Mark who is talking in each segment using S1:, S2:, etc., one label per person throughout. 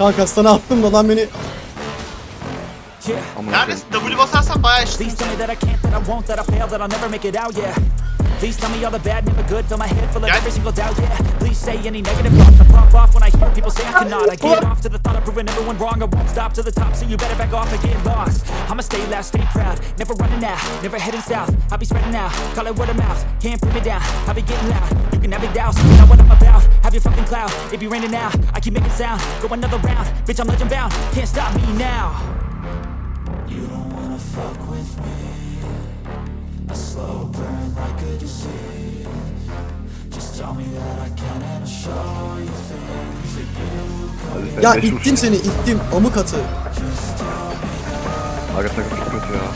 S1: Kanka sana attım da lan beni.
S2: Neredesin? W basarsan bayağı işte.
S3: Please tell me that I can't, that I won't, that I fail, that I'll never make it out, yeah. Please tell me all the bad, never good, fill my head full of every single doubt, yeah. Please say any negative thoughts, I pop off when I hear people say I cannot. I get off to the thought of proving everyone wrong, I won't stop to the top, so you better back off and get lost. I'ma stay loud, stay proud, never running out, never heading south. I'll be spreading out, call it word of mouth, can't put me down, I'll be getting loud. You can have it douse, not what I'm about, have your fucking cloud, it be raining now. I keep making sound, go another round, bitch I'm legend bound, can't stop me now. You don't wanna fuck with me. A slow burn like a disease. Just tell me that I can and I'll show you things that you
S1: Ya ittim seni, ittim. Amık atı.
S4: Aga takım çok kötü ya.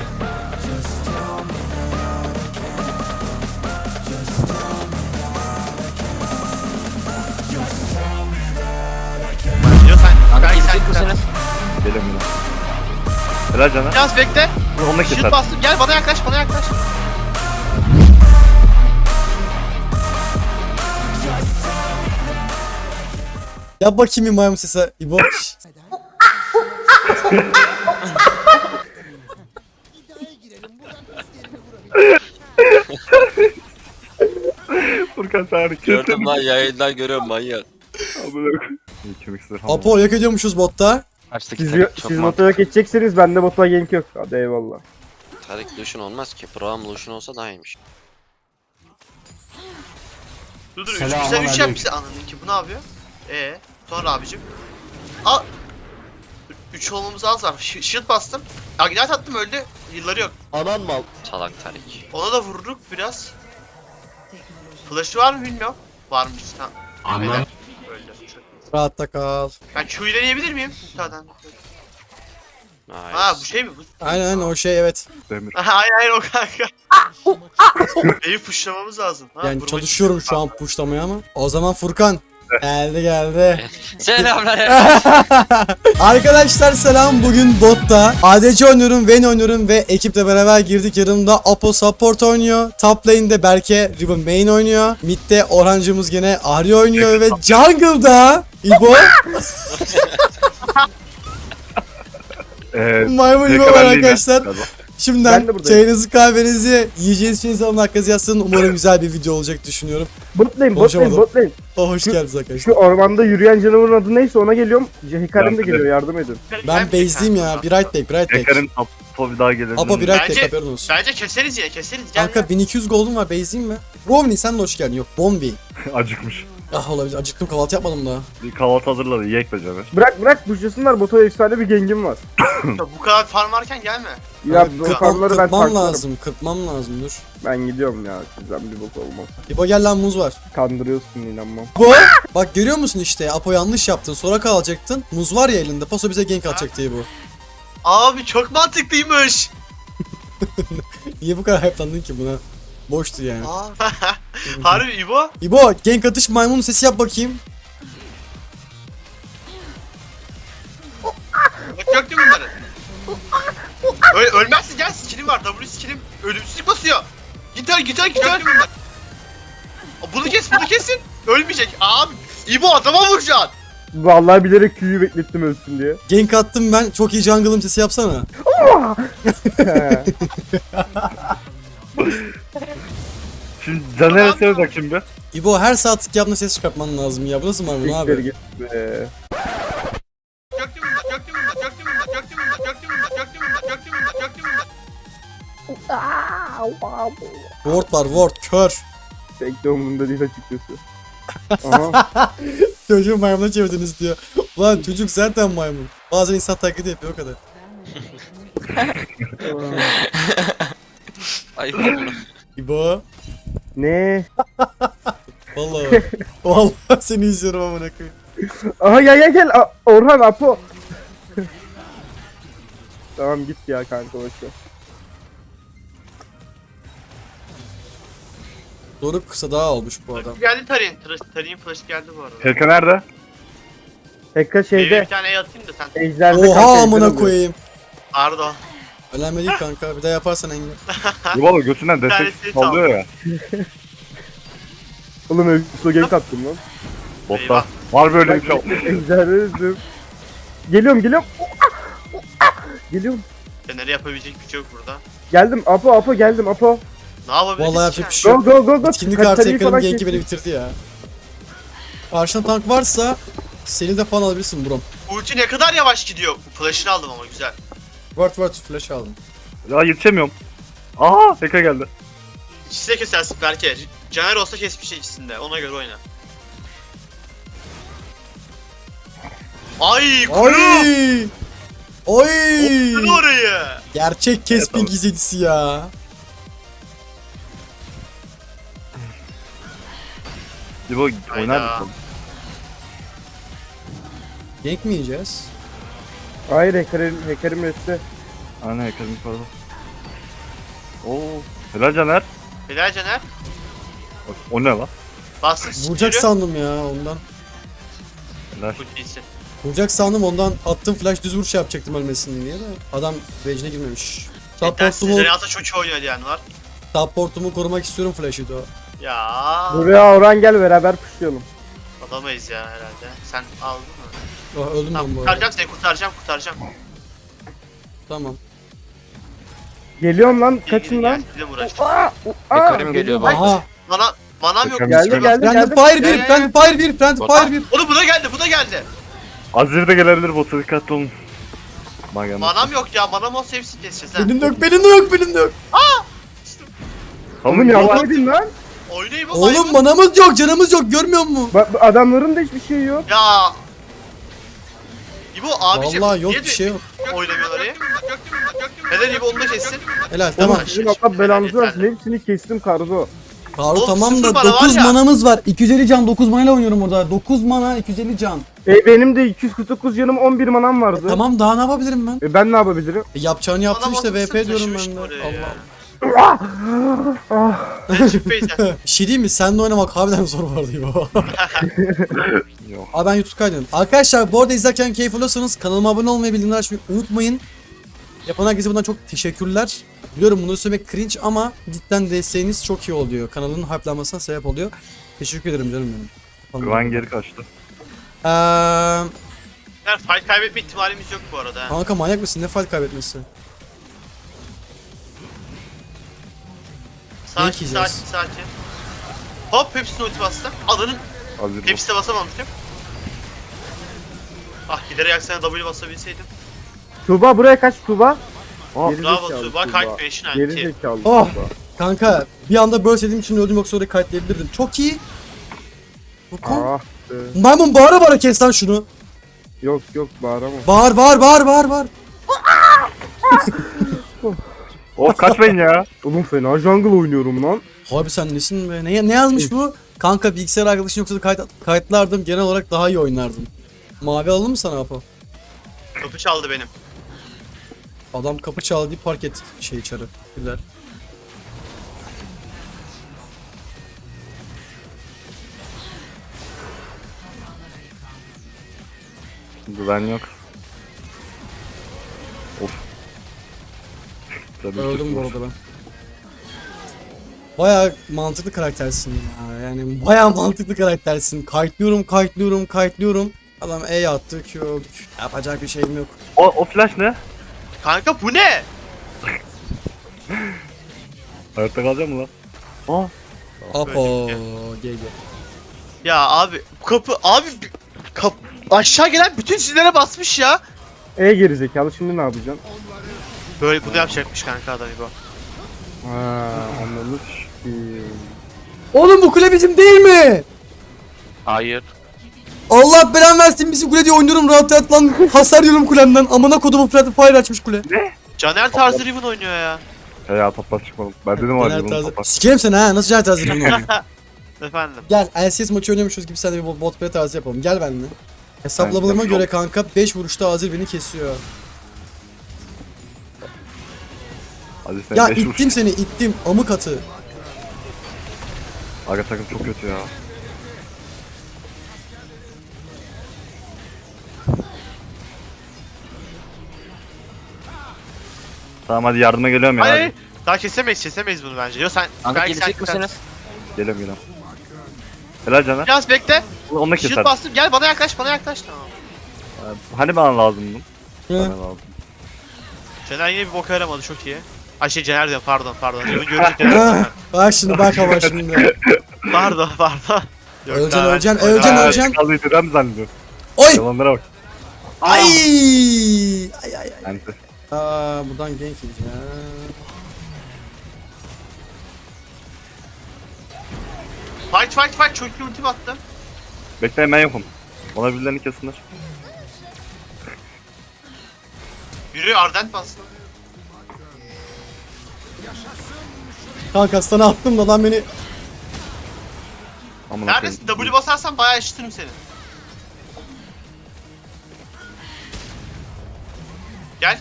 S2: Diyor sen.
S5: Kanka
S2: Belki
S5: gidecek
S2: sen
S5: bu sene.
S4: Gelin buna. Helal cana.
S2: Biraz bekle.
S4: Onunla
S2: Şut
S4: keser.
S2: bastım. Gel bana yaklaş, bana yaklaş.
S1: Yap bakayım bir maymun sesi. İbo.
S4: Furkan sen hareket.
S5: Gördüm lan yayından görüyorum manyak.
S4: Kemik
S1: Apo yok ediyormuşuz botta.
S5: Kaçtaki
S6: Siz,
S5: Tarik çok
S6: siz
S5: mantıklı.
S6: motora geçeceksiniz, bende motora gank yok. Hadi eyvallah.
S5: Tarik Lucian olmaz ki. Braum Lucian olsa daha iyiymiş.
S2: Dur dur. Güzel 3 yap bize. Anladın ki bu ne yapıyor? Sonra abicim. Al. 3 olmamız az var. Shield bastım. Ignite attım öldü. Yılları yok.
S4: Anan mal.
S5: Salak Tarik.
S2: Ona da vurduk biraz. Flash'ı var mı bilmiyorum. Varmış. Tamam. Anladım. Öldü.
S1: Rahatta kal.
S2: Ben Q'yu deneyebilir miyim? Zaten.
S5: Nice.
S2: Ha bu şey mi? Bu...
S1: Aynen o şey evet.
S4: Demir.
S2: Hayır o kanka. Evi pushlamamız lazım. Ha,
S1: Yani
S2: vurma-
S1: çalışıyorum şu an puşlamaya ama. O zaman Furkan. Geldi.
S5: Selamlar.
S1: Arkadaşlar selam, bugün botta ADC oynuyorum, Vayne oynuyorum ve ekiple beraber girdik. Yanımda Apo support oynuyor, top lane'de Berke Riven main oynuyor, mid'de Orhancımız gene Ahri oynuyor ve jungle'da İbo maymun İbo var arkadaşlar.
S6: Ben
S1: Şimdiden
S6: de buradayım.
S1: çayınızı kahvenizi yiyeceğiniz şeyinizi alın, hakkınızı yazsın. Umarım güzel bir video olacak düşünüyorum.
S6: Bot lane, bot lane,
S1: Konuşamadım.
S6: bot lane.
S1: Oh, hoş
S6: Şu-
S1: geldiniz arkadaşlar.
S6: Şu ormanda yürüyen canavarın adı neyse ona geliyorum. Hikarim de
S4: Ben de.
S6: geliyor, yardım edin.
S1: Ben base'liyim ya, bir right back, bir right back.
S4: Teker'in topu bir daha gelir.
S1: Apo bir right back,
S2: Bence-
S1: haberin olsun.
S2: Bence keseriz yine keseriz. Gel
S1: Kanka 1200 gold'um var, base'liyim mi? Romney sen de hoş geldin. Yok, Bombi.
S4: Acıkmış.
S1: Ah olabilir, acıktım, kahvaltı yapmadım daha.
S4: Bir kahvaltı hazırladı. Yiyek be canım.
S6: Bırak buşlasınlar, bota efsane bir gengim var.
S2: ya. Bu kadar farm varken gelme.
S6: Ya
S1: Abi,
S6: bu farmları ben
S1: kırpmam
S6: taklarım.
S1: lazım, kırpmam lazım, dur.
S6: Ben gidiyorum ya, sizden bir bok olmaz.
S1: İbo gel lan, muz var.
S6: Kandırıyorsun, inanmam.
S1: İbo! Bak görüyor musun işte, Apo yanlış yaptın, sonra kalacaktın. Muz var ya elinde, paso bize gank atacak diye bu.
S2: Abi çok mantıklıymış.
S1: Niye bu kadar hype'landın ki buna? Boştu yani.
S2: Harbi İbo.
S1: İbo, gank atış maymun sesi yap bakayım.
S2: Bak gördün mü bunları? Ölmezsin gel, skillim var. W skillim ölümsüzlük basıyor. Git öl. Gördün mü bunları? Bunu kesin. Ölmeyecek. Abi İbo adama vuracaksın.
S6: Vallahi bilerek Q'yu beklettim ölsün diye.
S1: Gank attım ben, çok iyi jungle'ım sesi yapsana.
S4: Şimdi Caner'e söyle bakayım bir.
S1: İbo her saatlik yaptığında ses çıkartman lazım ya, bu nasıl maymun
S6: Siktir
S1: abi?
S6: git be.
S2: Gördün mü
S1: Ward var, ward, kör.
S6: Pek de umurumda değil açıkçası. Aha.
S1: Çocuğu maymuna çevirdiniz diyor. Ulan çocuk zaten maymun. Bazen insan taklidi yapıyor o kadar.
S5: Ayıp oldu.
S1: İbo.
S6: Ne?
S1: Vallahi. Vallahi seni izliyorum amına koyayım.
S6: Aha gel. Orhan, Apo. Tamam git ya kanka, boşver.
S1: Doruk kısa daha olmuş bu adam.
S2: Geldi Tarin. Tarin flash geldi bu arada.
S4: Herka nerede?
S6: Tekka
S2: Bir
S6: şeyde.
S2: tane E atayım da sen.
S6: Ejder'de kanka,
S1: Oha
S6: ejder
S1: amına
S6: oluyor.
S1: koyayım.
S2: Pardon.
S1: Önemli değil kanka, bir daha yaparsan engel.
S4: Yuvalı götünden
S2: tanesi
S4: destek sallıyor ya.
S6: Oğlum öyle gank attım lan.
S4: Botta.
S2: Eyvah.
S4: Var böyle bir şey.
S6: Ejder'de öldüm. Geliyorum geliyorum. Geliyorum.
S2: Fener'e yapabilecek bir şey yok burada.
S6: Geldim Apo geldim Apo.
S2: Ne yapabiliriz
S1: Vallahi
S2: ki
S1: yapacak bir şey
S6: Go
S1: yok.
S6: go go go.
S1: Etkinlik artı
S6: Kaleyi
S1: ekranın
S6: falan
S1: genki
S6: kes.
S1: beni bitirdi ya. Karşına tank varsa seni de falan alabilirsin brom.
S2: Ulti ne kadar yavaş gidiyor. Flash'ını aldım ama güzel.
S1: Word flash aldım.
S4: Ya yetişemiyorum. Aa Eka geldi.
S2: İkisi de kesersin belki. Caner olsa kesmiş ikisinde. Ona göre oyna. Ay kuru!
S1: Oy! Oy!
S2: Kuru orayı!
S1: Gerçek Kespin
S4: Evet,
S1: gizlisi ya.
S4: İbo oynar
S2: Hayda.
S4: mısın?
S1: Gank mi yiyeceğiz?
S6: Hayır hackerim resti.
S4: Aynen Eka'nın yukarıda. Oo. Helal Caner.
S2: Helal Caner.
S4: O ne lan?
S2: Bastın
S1: Vuracak
S2: skill'ü.
S1: sandım ya ondan.
S4: Helal.
S2: Ultisi.
S1: Vuracak sandım ondan attım flash düz vuruş yapacaktım ölmesin diye de. Adam rage'ine girmemiş.
S2: Cidden
S1: Supportumu,
S2: Renata çok iyi oynuyor diyen var.
S1: supportumu korumak istiyorum flash'ı da.
S2: Ya
S6: Buraya Orhan gel beraber pushlayalım.
S2: alamayız ya herhalde. Sen aldın mı?
S1: Oh, öldüm
S2: Tamam
S1: ben bu arada.
S2: kurtaracağım seni kurtaracağım.
S1: Tamam.
S6: Geliyorum lan
S2: Gel,
S6: kaçın
S2: gel,
S6: lan.
S2: gel. Bir de uğraşacağım.
S7: Hekarim geliyor bak.
S1: Aha.
S2: Manam yok.
S4: Hekarim
S6: Geldi geldi
S1: Friendly
S6: geldi.
S1: fire
S2: Gel,
S1: 1,
S2: gel,
S1: friendly fire 1, friendly fire 1.
S2: Oğlum bu da geldi.
S4: Azir de gelebilir bota dikkatli olun. Magan.
S2: Manam yok ya. Manam olsa hepsini keseceğiz ha.
S1: Benim de yok.
S6: Oğlum yardım edin lan.
S2: Oynayayım ama
S1: Oğlum manamız yok, canımız yok görmüyor musun?
S6: Bak adamların da hiçbir şey yok.
S2: Ya. İbo abicim.
S1: Vallahi yok
S2: niye
S1: bir şey yok.
S2: oynamıyorlar ya. Neden İbo onu da kessin?
S1: Helal
S6: Tamam
S1: tamam.
S6: sizin Allah belanızı versin. Hepsini kestim Kardo.
S1: Karu
S2: Oğlum,
S1: tamam
S2: sıfır
S1: da
S2: mana var
S1: 9
S2: ya.
S1: manamız var. 250 can 9 manayla oynuyorum orada. 9 mana 250 can.
S6: Benim de 249 canım 11 manam vardı.
S1: Tamam daha ne yapabilirim ben?
S6: Ben ne yapabilirim?
S1: Yapacağını yaptın
S2: Adam
S1: işte
S2: olsa
S1: VP diyorum
S2: taşımıştı
S1: ben de.
S2: oraya
S1: Allah.
S2: ya.
S6: Ah.
S2: Ben çık Beyza.
S1: Bir şey diyeyim mi? Seninle oynamak harbiden zor vardı bu.
S4: Yok.
S1: Abi ben YouTube kaydediyorum. Arkadaşlar bu arada izlerken keyif alıyorsanız kanalıma abone olmayı, bildirimleri açmayı unutmayın. Yapan herkese bundan çok teşekkürler. Biliyorum bunu söylemek cringe ama cidden desteğiniz çok iyi oluyor. Kanalın hype'lanmasına sebep oluyor. Teşekkür ederim canım benim.
S4: Güven geri kaçtı.
S2: Yani fight kaybetme ihtimalimiz yok bu arada. ha.
S1: Kanka manyak mısın? Ne fight kaybetmesi?
S2: Sakin
S1: yiyeceğiz.
S2: sakin. Hop hepsini ulti bastım. Alanın
S4: Azir bot.
S2: hepsine basamamıştım. Ah giderek aksana W basabilseydim.
S6: Tuğba buraya kaç Tuğba?
S4: Aa,
S6: Geri
S2: Bravo
S6: zekalı
S2: Tuğba kalp peşin
S6: Geri
S2: anti.
S6: zekalı
S1: Oh.
S6: Tuğba.
S1: Kanka bir anda böyle sevdiğim için öldüm yoksa oraya kayıtlayabilirdim. Çok iyi. Bu kon.
S6: Ah be.
S1: Maymun bağıra kes lan şunu.
S6: Yok bağıramam.
S1: Bağır.
S4: Of kaçmayın ya.
S6: Oğlum fena jungle oynuyorum lan.
S1: Abi sen nesin be? Ne yazmış bu? Kanka bilgisayar arkadaşın yoksa da kayıtlardım. Genel olarak daha iyi oynardım. Mavi alalım mı sana Apo?
S2: Kapı çaldı benim.
S1: Adam kapı çaldı deyip park etti şey içeri. Güzel.
S4: Güven yok. Of. Tabii
S1: Öldüm bu
S4: ki.
S1: arada ben. Baya mantıklı karaktersin ya. Yani baya mantıklı karaktersin. Kayıtlıyorum. Adam E attı, Q öldük. Yapacak bir şeyim yok.
S4: O flash ne?
S2: Kanka bu ne?
S4: Hayatta kalacak mı lan? Aa.
S1: Apo,
S2: Öldük
S1: GG.
S2: Ya abi bu kapı abi aşağı gelen bütün sizlere basmış ya.
S6: Geri zekalı şimdi ne yapacaksın?
S2: Böyle bunu yapacakmış kanka adam İbo.
S6: Ha anlamış.
S1: Oğlum bu kule bizim değil mi?
S7: Hayır.
S1: Allah belanı versin bizim kule diye oynuyorum rahat lan. Hasar yiyorum kulemden. Amına kodumu Fred Fire açmış kule.
S2: Caner tarzı Riven oynuyor ya.
S4: Ya toplar çıkmadım. Ben dedim var ya bunu toplar.
S1: Sikerim seni ha. Nasıl Caner tarzı Riven oynuyor?
S2: Efendim.
S1: Gel LCS maçı oynuyormuşuz gibi sen de bir bot play tarzı yapalım. Gel benimle. Hesaplamalarıma
S4: Ben-
S1: göre kanka 5 vuruşta Azir beni kesiyor.
S4: Hadi sen
S1: Ya
S4: 5 vur.
S1: ittim seni ittim. Amık atı.
S4: Aga takım çok kötü ya. Tamam hadi yardıma geliyorum ya.
S2: Hayır.
S4: Hadi.
S2: Daha kesemeyiz bunu bence. Yo sen
S7: Kanka
S2: belki
S7: gelecek
S2: sen-
S7: misiniz?
S4: Geliyorum. Helal Caner.
S2: Biraz bekle.
S4: Onu da
S2: Shield
S4: keser.
S2: bastım. Gel bana yaklaş. Tamam.
S4: Hani bana lazımdı? Bana
S1: Hı.
S4: lazım.
S2: Cener yine bir boka yaramadı çok iyi. Ay şey Cener diyor pardon. Riven görecek Cener.
S1: Ah, bak şimdi bak ama şimdi.
S2: Pardon. Yok,
S1: Öleceksin,
S2: daha ben-
S1: öleceksin,
S2: Aa,
S1: öleceksin, öleceksin.
S4: Kalıyı dedem mi zannediyor?
S1: Oy!
S4: Yalanlara bak.
S1: Ay! Ay.
S4: Ente.
S1: Buradan gank yiyeceğim.
S2: Fight çok iyi ultim attım.
S4: Bekleyin ben yokum. Bana birilerini kesinler.
S2: Yürü Ardent bastı.
S1: Kanka sana attım da lan beni.
S4: Amına
S2: Neredesin?
S4: koyayım.
S2: W basarsan bayağı eşitirim seni. Gel.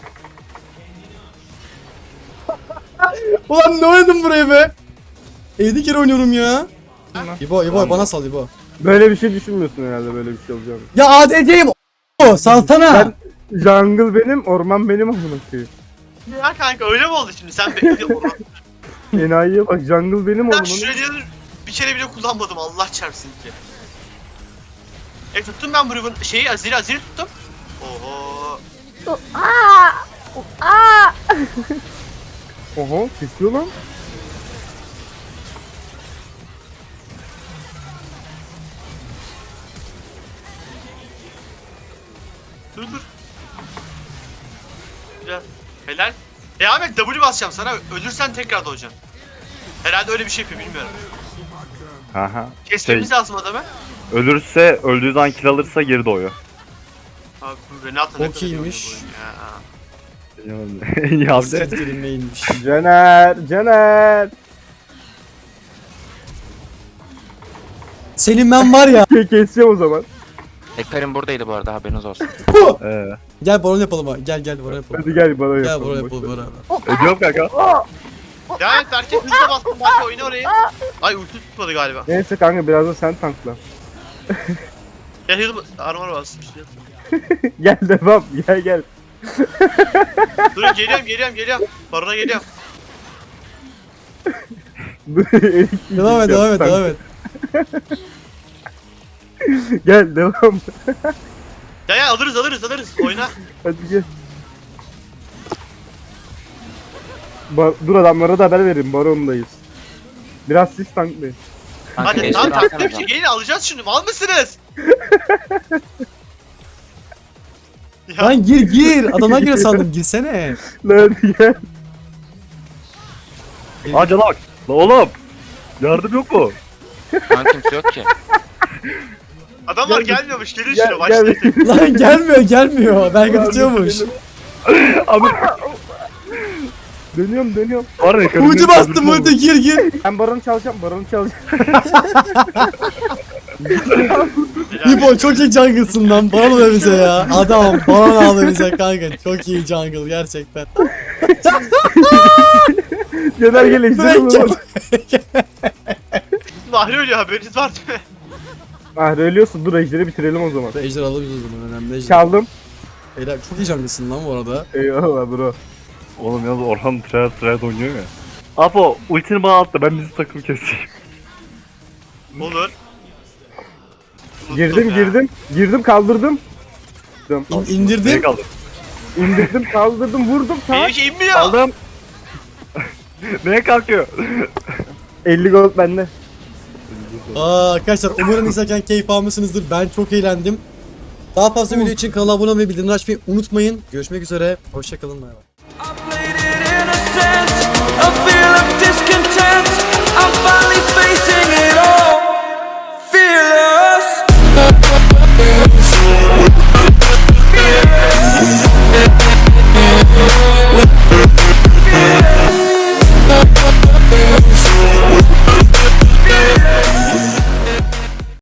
S1: Ulan ne oynadım buraya be? 7 kere oynuyorum ya. İbo bana sal İbo.
S6: Böyle bir şey düşünmüyorsun herhalde, böyle bir şey olacağını.
S1: Ya ADC'yim o salsana.
S6: Ben jungle benim, orman benim amına koyayım.
S2: Ya kanka öyle mi oldu şimdi? Sen bekliyorsun.
S6: Enayiye bak, jungle benim
S2: Ben
S6: ormanım.
S2: Shredder'ı bir kere bile kullanmadım Allah çarpsın ki. Tuttum ben bu Riven şeyi Azir'i tuttum. Oho.
S6: Oho, kesiyor lan.
S2: Dur. Güzel. Helal. Devam et W basacağım sana. Ölürsen tekrar doğacaksın. Herhalde öyle bir şey yapıyor bilmiyorum.
S4: Aha.
S2: Kesmemiz lazım adamı.
S4: Ölürse, öldüğü zaman kill alırsa geri doğuyor.
S2: Abi bu Renata ne
S1: Çok
S2: kadar iyi
S1: iyiymiş.
S2: oynuyor bu oyunu ya.
S4: Ya
S1: Hasret kelimeymiş.
S6: Caner.
S1: Senin ben var ya.
S6: Keseceğim o zaman.
S7: Hekarim buradaydı bu arada, haberiniz olsun.
S1: Gel baron yapalım abi. Gel baron yapalım.
S6: Hadi gel bana
S1: Gel
S6: yapalım.
S1: baron
S6: boş
S1: yapalım
S6: ver.
S1: beraber.
S4: Ediyorum kanka.
S2: Devam et Berke hızla bastım Berke oyna orayı. Ay ulti tutmadı galiba.
S6: Neyse kanka, biraz da sen tankla.
S2: Ya hızlı armor bastım işte.
S6: Gel devam, gel.
S2: Dur geliyorum. Barona geliyorum.
S1: Devam et.
S6: Gel devam.
S2: Ya alırız. Oyna.
S6: Hadi gel. Dur, adamlara da haber verin, barondayız. Biraz siz tanklayın.
S7: Kanka
S2: Hadi
S7: eşleri
S2: tamam
S7: alsana
S2: taktiğim
S7: sen.
S2: şey gelin alacağız şunu. Mal mısınız? Ya
S1: Lan gir. Adamlar giriyor sandım. Girsene.
S6: Lan hadi gel.
S4: Aa cana bak. La oğlum. Yardım yok mu?
S7: Şu an kimse yok ki.
S2: adamlar
S6: Gel,
S2: gelmiyormuş. Gelin
S6: Gel,
S2: şuna başlayın.
S1: Lan gelmiyor. Belki tutuyormuş.
S4: Abi
S6: Dönüyorum.
S4: var ya.
S1: Ulti bastım ulti gir.
S6: Ben baronu çalacağım.
S1: İbo çok iyi jungle'sın lan. Baron ver bize ya. Adam baron aldı bize kanka. Çok iyi jungle gerçekten.
S6: Caner gel,
S1: Direkt
S6: ejderim.
S2: Mahri ölüyor haberiniz var değil mi?
S6: Ah, ölüyorsun, dur ejderi bitirelim o zaman.
S1: Ejder alırız o zaman. Önemli ejder.
S6: Çaldım.
S1: Beyler çok iyi jungle'sın lan bu arada.
S6: Eyvallah bro.
S4: Oğlum yalnız Orhan Treyarch oynuyor ya. Apo ultini bana at da ben bizim takım keseyim.
S2: Olur. Unuttum ya.
S6: Girdim, kaldırdım.
S4: Beni
S1: İndirdim.
S4: kaldır.
S6: İndirdim, kaldırdım, vurdum,
S2: Benim
S6: tak.
S2: şey inmiyor.
S4: Aldım. Neye kalkıyor?
S6: 50 gold bende.
S1: Arkadaşlar umarım izlerken keyif almışsınızdır. Ben çok eğlendim. Daha fazla video için kanala abone olmayı, bildirimleri açmayı unutmayın. Görüşmek üzere. Hoşçakalın. Bay bay.